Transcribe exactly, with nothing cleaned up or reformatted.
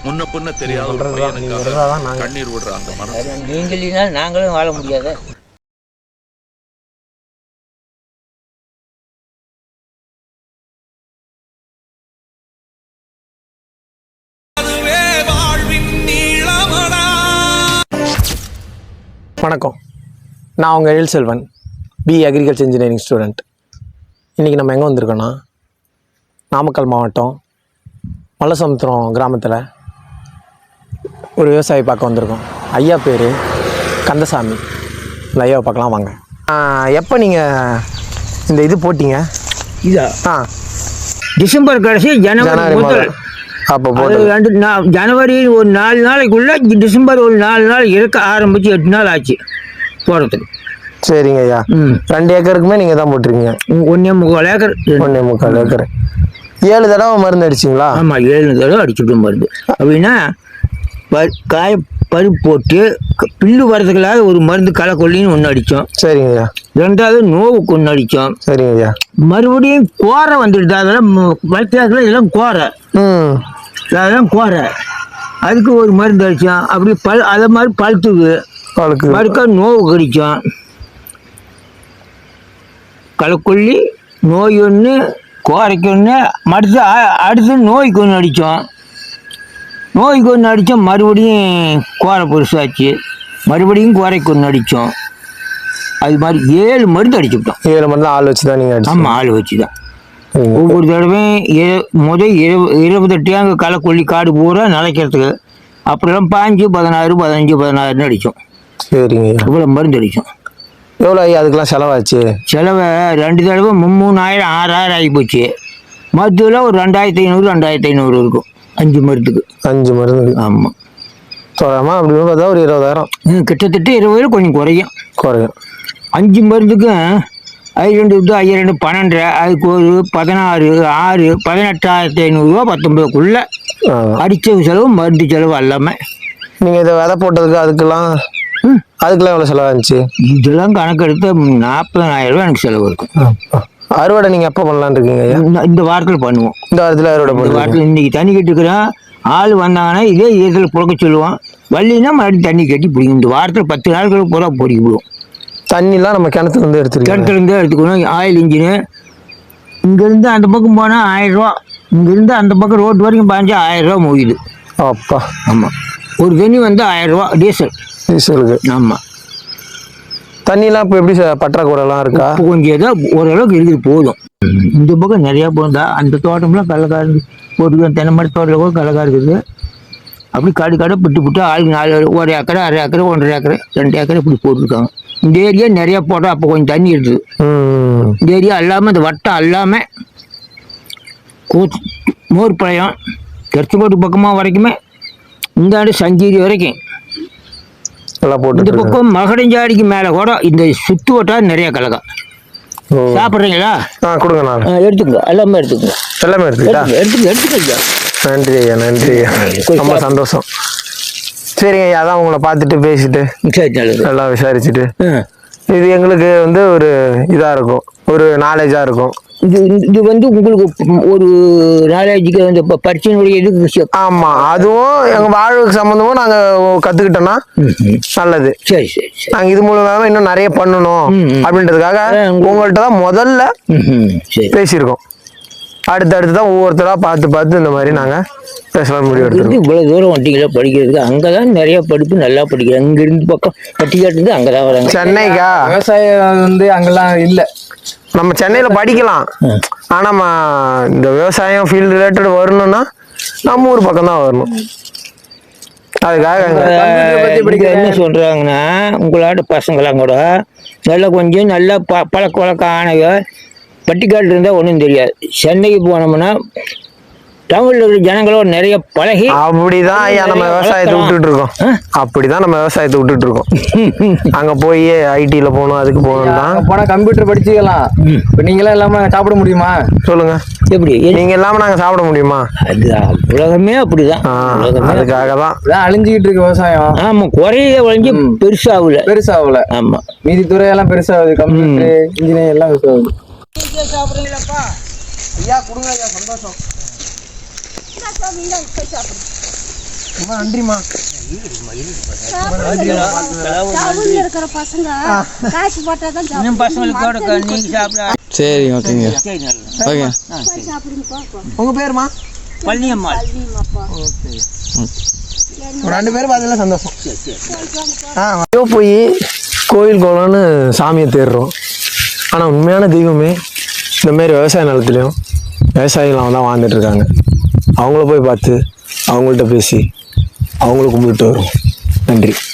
முன்ன பின்ன தெரியாத ஒரு பையனுக்காக கண்ணீர் விடுற அந்த மனசு. நீங்க இல்லைன்னா நாங்களும் வாழ முடியாது. வணக்கம், நான் உங்கள் Ezhil Selvan, B agriculture engineering student. இன்றைக்கி நம்ம எங்கே வந்திருக்கோன்னா, நாமக்கல் மாவட்டம் மல்லசமுத்திரம் கிராமத்தில் ஒரு விவசாயி பார்க்க வந்திருக்கோம். ஐயா பேர் கந்தசாமி. இந்த ஐயாவை பார்க்கலாம் வாங்க. எப்போ நீங்கள் இந்த இது போட்டிங்க? இதா ஆ டிசம்பர் கடைசி ஜனவரி முதல். அப்போ அது ரெண்டு நா ஜனவரி ஒரு நாலு நாளைக்குள்ளே டிசம்பர் ஒரு நாலு நாள் இருக்க ஆரம்பித்து எட்டு நாள் ஆச்சு போடுறதுக்கு. சரிங்க ஐயா. ம் ரெண்டு ஏக்கருக்குமே நீங்கள் தான் போட்டிருக்கீங்க? ஒன்றே முக்கால் ஏக்கர். ஒன்றே முக்கால் ஏக்கர். ஏழு தடவை மருந்து அடிச்சிங்களா? ஆமாம், ஏழு தடவை அடிச்சுட்டு மருந்து. அப்படின்னா ப காய பருப்பு போட்டு பில்லு வரதுக்குள்ளாக ஒரு மருந்து களைக்கொல்லின்னு ஒன்று அடித்தோம். சரிங்க ஐயா. ரெண்டாவது நோவுக்கு ஒன்று அடித்தோம். சரிங்க ஐயா. மறுபடியும் கோரை வந்துடுது. அதெல்லாம் வளர்த்தாக்கில் இதெல்லாம் கோரை. ம் அதெல்லாம் கோரை. அதுக்கு ஒரு மருந்து அடித்தோம். அப்படி பல் அதை மாதிரி பழுத்துக்கு பழுக்கு பழுக்க நோவுக்கு அடித்தோம். களைக்கொல்லி நோய் ஒன்று, கோரைக்கு ஒன்று, மறுத்து அடுத்து நோய்க்கு ஒன்று அடித்தோம். நோய்க்கு ஒன்று அடித்தோம். மறுபடியும் கோரை பெருசாச்சு. மறுபடியும் கோரைக்கு ஒன்று அடித்தோம். அது மாதிரி ஏழு மருந்து அடிச்சுவிட்டோம். ஏழு மருந்து ஆள் வச்சு தான் நீங்கள்? ஆமாம், ஆள் வச்சு தான். ஒவ்வொரு தடவையும் இரு முதல் இரு இருபத்தெட்டு அங்கே களைக்கொல்லி காடு பூரா நிலைக்கிறதுக்கு. அப்படிலாம் பாஞ்சு பதினாறு பதினஞ்சு பதினாறுன்னு அடித்தோம். சரிங்க. இவ்வளோ மருந்து அடித்தோம். எவ்வளோ ஐயா அதுக்கெல்லாம் செலவாச்சு? செலவை ரெண்டு தடவை மூணாயிரம் ஆறாயிரம் ஆகி போச்சு. மருத்துவில் ஒரு ரெண்டாயிரத்தி ஐநூறு ரெண்டாயிரத்தி ஐநூறு இருக்கும் அஞ்சு மருந்துக்கு. அஞ்சு மருந்து? ஆமாம். தோராமா அப்படி பார்த்தா ஒரு இருபதாயிரம். கிட்டத்தட்ட இருபது கொஞ்சம் குறையும். குறையும். அஞ்சு மருந்துக்கும் அது ரெண்டு இது ஐயா ரெண்டு பன்னெண்டு, அதுக்கு ஒரு பதினாறு ஆறு பதினெட்டாயிரத்தி ஐநூறுரூவா பத்தொம்பதுக்குள்ளே அடித்த செலவு மருந்து செலவு எல்லாமே. நீங்கள் இதை விதை போட்டதுக்கு அதுக்கெல்லாம் அதுக்கெல்லாம் எவ்வளோ செலவாச்சு? இதெல்லாம் கணக்கெடுத்து நாற்பதாயிரம் ரூபா எனக்கு செலவு இருக்கும். அறுவடை நீங்கள் எப்போ பண்ணலான்னு இருக்கீங்க? இந்த வாரத்தில் பண்ணுவோம். இந்த வாரத்தில் அறுவடை பண்ணுவோம். இந்த வாரத்தில் இன்றைக்கி தண்ணி கட்டிக்கிறோம். ஆள் வந்தாங்கன்னா இதே ஈரத்தில் புழக்க சொல்லுவோம். வள்ளினா மறுபடியும் தண்ணி கட்டி பிடிக்கும். இந்த வாரத்தில் பத்து நாட்களுக்கு பூரா பொடிக்க விடுவோம். தண்ணிலாம் நம்ம கிணத்துலேருந்து எடுத்துருக்கோம். கிணத்துலேருந்து எடுத்துக்கணும். ஆயில் இன்ஜினு இங்கேருந்து அந்த பக்கம் போனால் ஆயிரரூவா, இங்கேருந்து அந்த பக்கம் ரோட்டு வரைக்கும் பாஞ்சா ஆயிரரூவா முடியுது. அப்பா. ஆமாம். ஒரு தண்ணி வந்து ஆயிரரூவா டீசல். டீசலுக்கு? ஆமாம். தண்ணிலாம் இப்போ எப்படி பற்றாக்குறைலாம் இருக்கா? இப்போ கொஞ்சம் ஏதோ ஓரளவுக்கு இருக்குது, போதும். இந்த பக்கம் நிறையா போகுதா. அந்த தோட்டம்லாம் கடலக்கா இருந்து போட்டுக்க. தென்னை மரத்து தோட்டத்தில் கூட கடலக்கா இருக்குது. அப்படி காடு காடை விட்டு விட்டு ஆளுக்கு நாலு ஒரு ஏக்கரை அரை ஏக்கரை ஒன்றரை ஏக்கரை ரெண்டு ஏக்கரை இப்படி போட்டுருக்காங்க. இந்த ஏரியா நிறையா போட்டோம். அப்போ கொஞ்சம் தண்ணி இருக்குது. இந்த ஏரியா எல்லாமே இந்த வட்டம் எல்லாமே கூத்து மோர்பாளையம் கெர்ச்சிக்கோட்டு பக்கமாக வரைக்குமே இந்த ஆண்டு சஞ்சீரி வரைக்கும் எல்லாம் போட்டு. இந்த பக்கம் மகடஞ்சாடிக்கு மேலே கூட இந்த சுற்று வட்டம் நிறையா கலக்கா. சாப்பிட்றீங்களா? ஆ கொடுங்க. நான் எடுத்துக்கோ, எல்லாமே எடுத்துக்கோ. எல்லாமே எடுத்துக்கிட்டா? எடுத்துக்க எடுத்துக்க ஐயா. நன்றி ஐயா, நன்றி ஐயா, ரொம்ப சந்தோஷம். சரிங்க ஐயா, அதான் உங்களை பார்த்துட்டு பேசிட்டு எல்லாம் விசாரிச்சுட்டு இது எங்களுக்கு வந்து ஒரு இதாக இருக்கும், ஒரு நாலேஜாக இருக்கும். இது இது வந்து உங்களுக்கு ஒரு நாலேஜுக்கு வந்து இப்போ பரிச்சையினுடைய இது. ஆமாம், அதுவும் எங்கள் வாழ்வுக்கு சம்மந்தமும் நாங்கள் கற்றுக்கிட்டோன்னா நல்லது. சரி சரி சரி. நாங்கள் இது மூலமாக இன்னும் நிறைய பண்ணணும் அப்படின்றதுக்காக உங்கள்கிட்ட தான் முதல்ல பேசியிருக்கோம். அடுத்து அடுத்து தான் ஒவ்வொருத்தராக பார்த்து பார்த்து இந்த மாதிரி நாங்கள் பேசலாம் முடிவு எடுத்துருக்கோம். இவ்வளோ தூரம் வண்டிகளை படிக்கிறதுக்கு அங்கே தான் நிறைய படிப்பு நல்லா படிக்கிறேன். அங்கேருந்து பக்கம் பட்டிக்காட்டு அங்கே தான் வராங்க. சென்னைக்கா? விவசாயம் வந்து அங்கெல்லாம் இல்லை. நம்ம சென்னையில் படிக்கலாம், ஆனால் நம்ம இந்த விவசாயம் ஃபீல்டு ரிலேட்டட் வரணும்னா நம்ம ஊர் பக்கம் தான் வரணும். அதுக்காக என்ன சொல்கிறாங்கன்னா, உங்களோட பசங்களாம் கூட நல்லா கொஞ்சம் நல்லா ப பழக்க வழக்கம் ஆனவ பட்டிக்காட்டு இருந்தால் ஒன்றும் தெரியாது. சென்னைக்கு போனோம்னா டவுன்ல இருக்கிற ஜனங்களோட நிறைய பழகி அப்படிதான் ஐயா நம்ம விவசாயத்தை விட்டுட்டு இருக்கோம். அப்படிதான் நம்ம விவசாயத்தை விட்டுட்டு இருக்கோம். அங்க போய் ஐடில போகணும், அதுக்கு போகணும் தான். போனா கம்ப்யூட்டர் படிச்சுக்கலாம். இப்போ நீங்களாம் இல்லாம சாப்பிட முடியுமா? சொல்லுங்க. எப்படி நீங்க இல்லாம நாங்க சாப்பிட முடியுமா? அது உலகமே அப்படிதான். அதுக்காக தான் அழிஞ்சுக்கிட்டு இருக்கு விவசாயம். ஆமா, குறைய வளைஞ்சு பெருசாகல பெருசாகல. ஆமா, மீதி துறையெல்லாம் பெருசாகுது. கம்ப்யூட்டர் இன்ஜினியர் எல்லாம் பெருசாகுது. சாப்பிடுறீங்களாப்பா? ஐயா கொடுங்க ஐயா, சந்தோஷம். ரொம்ப நன்றிம்மா. டவுன்ல இருக்கிற பசங்க காசு போட்டா தான் சாப்பிடுவாங்க. பசங்களுக்கு கூட நீங்க சாப்பிட சரி ஓகேங்க ஓகே சாப்பிடுங்க பாப்பா. உங்க பேருமா? பழனியம்மா. பள்ளிமாப்பா. ஒரு ரெண்டு பேரும் பார்த்ததுல சந்தோஷம். ஆ ஐயோ போய் கோயில் கோலம்னு சாமியை தேடுறோம். ஆனால் உண்மையான தெய்வமே இந்தமாரி விவசாய நிலத்துலையும் விவசாயிகள் தான் வாழ்ந்துட்டு இருக்காங்க. அவங்கள போய் பார்த்து அவங்கள்ட்ட பேசி அவங்கள கும்பிட்டு வரும். நன்றி.